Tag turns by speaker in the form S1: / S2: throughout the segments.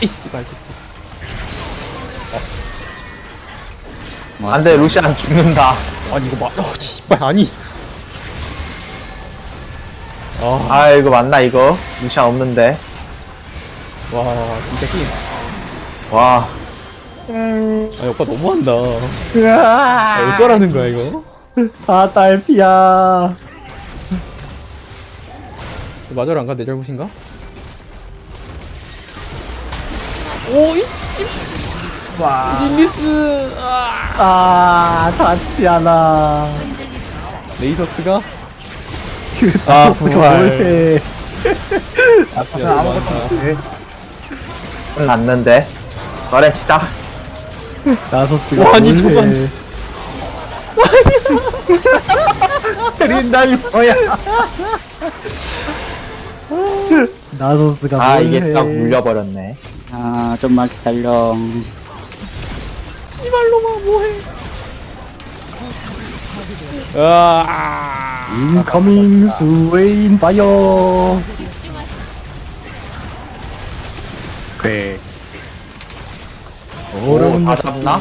S1: 씨발.
S2: 안돼 루시안 죽는다.
S1: 아니 이거 씨발 아니.
S2: 아 이거 맞나 이거? 루시안 없는데.
S1: 와 진짜 힘.
S2: 와.
S1: 아 오빠 너무한다. 아, 어쩌라는 거야 이거?
S3: 아 딸피야.
S1: 맞아라 안가 내 잘못인가? 오이
S3: 와.
S1: 릴리스
S3: 타치아나.
S1: 레이서스가
S3: 나서스가 뭘해.
S1: 진짜
S3: 아무것도
S1: 너무한다.
S3: 못해.
S2: 났는데. 그래 시작.
S3: 나서스가
S1: 와, 아니,
S3: 뭘해. 때린다 이거야. 나서스가
S2: 아
S3: 뭘해.
S2: 이게 딱 물려버렸네.
S4: 아, 좀만 기다려.
S1: 씨발로마 뭐해? 아
S3: 인커밍 스웨인 파이어. 네.
S2: 오, 다 잡나?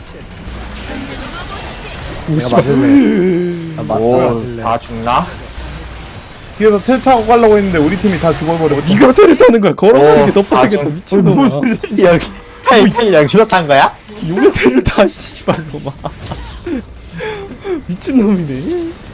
S3: 내가 맞을래. 아,
S2: 오, 다 죽나?
S5: 뒤에서 텔 타고 가려고 했는데 우리 팀이 다 죽어버렸어.
S1: 니가 테를 타는 거야. 걸어가는 게 더
S2: 오,
S1: 빠르겠다
S2: 아,
S1: 미친놈아.
S2: 여기 팔 여기서 탄 거야?
S1: 용의 테를 타 씨발로마. 미친놈이네.